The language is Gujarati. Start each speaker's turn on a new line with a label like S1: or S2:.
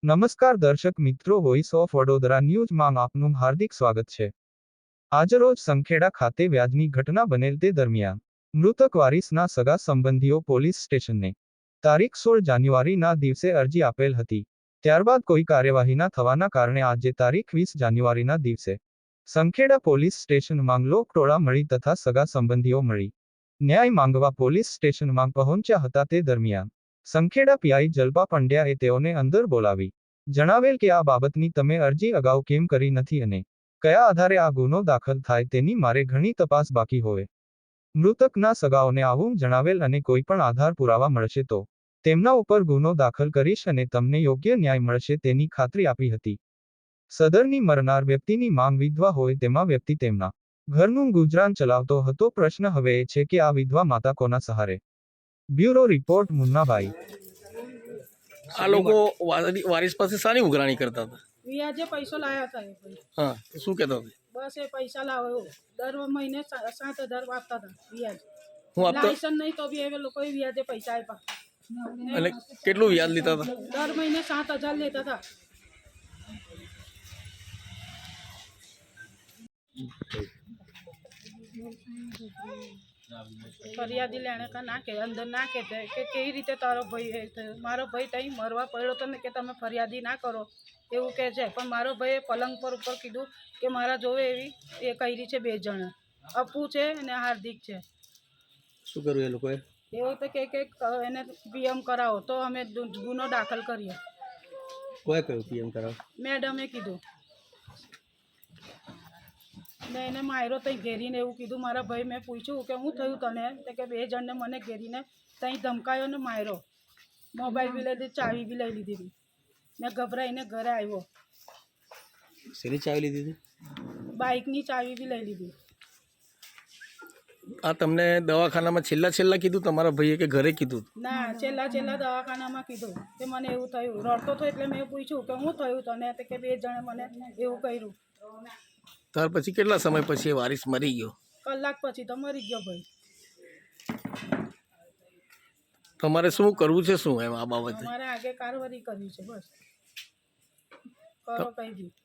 S1: નમસ્કાર દર્શક મિત્રો, વોઇસ ઓફ વડોદરા ન્યૂઝમાં આપનું હાર્દિક સ્વાગત છે। આજરોજ સંખેડા ખાતે વ્યાજની ઘટના બનેલ તે દરમિયાન મૃતક વારીસના સગા સંબંધીઓ પોલીસ સ્ટેશનને તારીખ 16 જાન્યુઆરીના દિવસે અરજી આપેલ હતી। ત્યારબાદ કોઈ કાર્યવાહી ન થવાના કારણે આજે તારીખ 20 જાન્યુઆરીના દિવસે સંખેડા પોલીસ સ્ટેશનમાં લોકટોળા મળી તથા સગા સંબંધીઓ મળી ન્યાય માંગવા પોલીસ સ્ટેશનમાં પહોંચ્યા હતા। તે દરમિયાન સંખેડા પીઆઈ જલ્પા પંડ્યાએ તેઓને અંદર બોલાવી જણાવેલ કે આ બાબતની તમે અરજી અગાઉ કેમ કરી નથી અને કયા આધારે આ ગુનો દાખલ થાય તેની મારે ઘણી તપાસ બાકી હોય। મૃતકના સગાઓને આવું જણાવેલ અને કોઈ પણ આધાર પુરાવા મળશે તો તેમના ઉપર ગુનો દાખલ કરીશ અને તમને યોગ્ય ન્યાય મળશે તેની ખાતરી આપી હતી। સદરની મરનાર વ્યક્તિની માંગ વિધવા હોય તેમાં વ્યક્તિ તેમના ઘરનું ગુજરાન ચલાવતો હતો। પ્રશ્ન હવે એ છે કે આ વિધવા માતા કોના સહારે? Bureau report Munnabhai.
S2: આ લોકો વારીસ પાસે સાની ઉઘરાણી કરતા હતા?
S3: વ્યાજે પૈસો લાયા હતા એ ભાઈ।
S2: હા, તો શું કહેતા હતા?
S3: બસ એ પૈસા લાવો દર મહિને 7,000 આપતા હતા વ્યાજ।
S2: હું આપતો
S3: લાયસન્સ નહીં તો બી એ લોકોએ વ્યાજે પૈસા આપ્યા
S2: અને કેટલું વ્યાજ લેતા હતા?
S3: દર મહિને 7,000 લેતા હતા। ફરિયાદી લેણે કા ના કે અંદર ના કે કેવી રીતે તારો ભાઈ મારો ભાઈ તઈ મરવા પડ્યો તો ને કે તમે ફરિયાદી ના કરો એવું કહે છે। પણ મારો ભાઈએ પલંગ પર ઉપર કીધું કે મારા જોવે એવી એ કરી છે 2 જણ, અપુ છે અને હાર્દિક છે।
S2: શું કર્યું એ લોકોએ?
S3: એવું તો કે એને પીએમ કરાવો તો અમે ગુનો દાખલ કરીએ।
S2: કોઈ કહ્યું પીએમ કરાવ?
S3: મેડમે કીધું ને એને માર્યો તઈ ઘેરીને એવું કીધું। મારા ભાઈ મેં પૂછ્યું કે શું થયું તને તો કે 2 જણને મને ઘેરીને તઈ ધમકાયો ને માર્યો। મોબાઈલ બી લઈ લીધી, ચાવી બી લઈ લીધી ને ગભરાઈને ઘરે આવ્યો।
S2: શેની ચાવી લીધી હતી?
S3: બાઇકની ચાવી બી લઈ લીધી।
S2: આ તમને દવાખાનામાં છેલ્લા કીધું તમારા ભાઈએ કે ઘરે કીધું?
S3: ના, છેલ્લા દવાખાનામાં કીધું કે મને એવું થયું। રડતો હતો એટલે મેં પૂછ્યું કે શું થયું તને તો કે 2 જણે મને એવું કર્યું।
S2: ત્યાર પછી કેટલા સમય પછી એ વારીસ મરી ગયો?
S3: કલાક પછી તો મરી ગયો ભાઈ।
S2: તમારે શું કરવું છે? શું એમ આ બાબતે
S3: અમારે આગે કાર્યવાહી કરવી છે, બસ કરો કઈ બી।